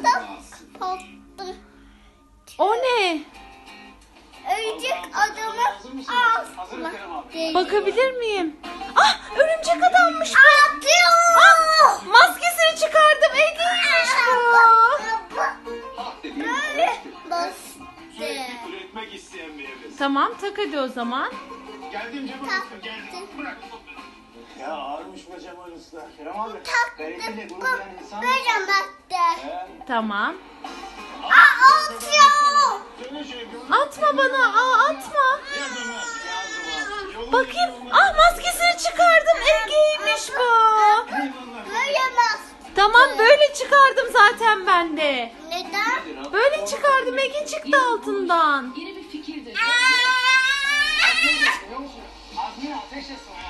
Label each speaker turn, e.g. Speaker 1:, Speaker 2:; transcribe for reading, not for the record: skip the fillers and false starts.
Speaker 1: O ne?
Speaker 2: Örümcek adamın ağzına geliyor.
Speaker 1: Bakabilir miyim? Ah, örümcek adammış bu.
Speaker 2: Atıyor.
Speaker 1: Ah, maskesini çıkardım. Ege'ymiş bu.
Speaker 2: Böyle bastı.
Speaker 3: Üretmek isteyen bir evresin.
Speaker 1: Tamam, tak hadi o zaman.
Speaker 3: Geldim Cemal Usta, geldim. Bırak. Ya ağırmış be Cemal Usta. Kerem abi. Gayretle gurur duyan insan.
Speaker 2: Böyle bastı.
Speaker 1: Tamam.
Speaker 2: Atıyor.
Speaker 3: Söyle şöyle bir
Speaker 1: Atma bana. Aa, atma.
Speaker 3: yardım et. Yardım et.
Speaker 1: Bakayım. Ah, maskesini çıkardım. Ege'ymiş bu.
Speaker 2: Böyle bastı.
Speaker 1: Tamam, böyle çıkardım zaten ben de.
Speaker 2: Neden?
Speaker 1: Böyle çıkardım. Ege çıktı altından.
Speaker 4: Yeni bir fikirdir.
Speaker 3: Azmi ateş etsin.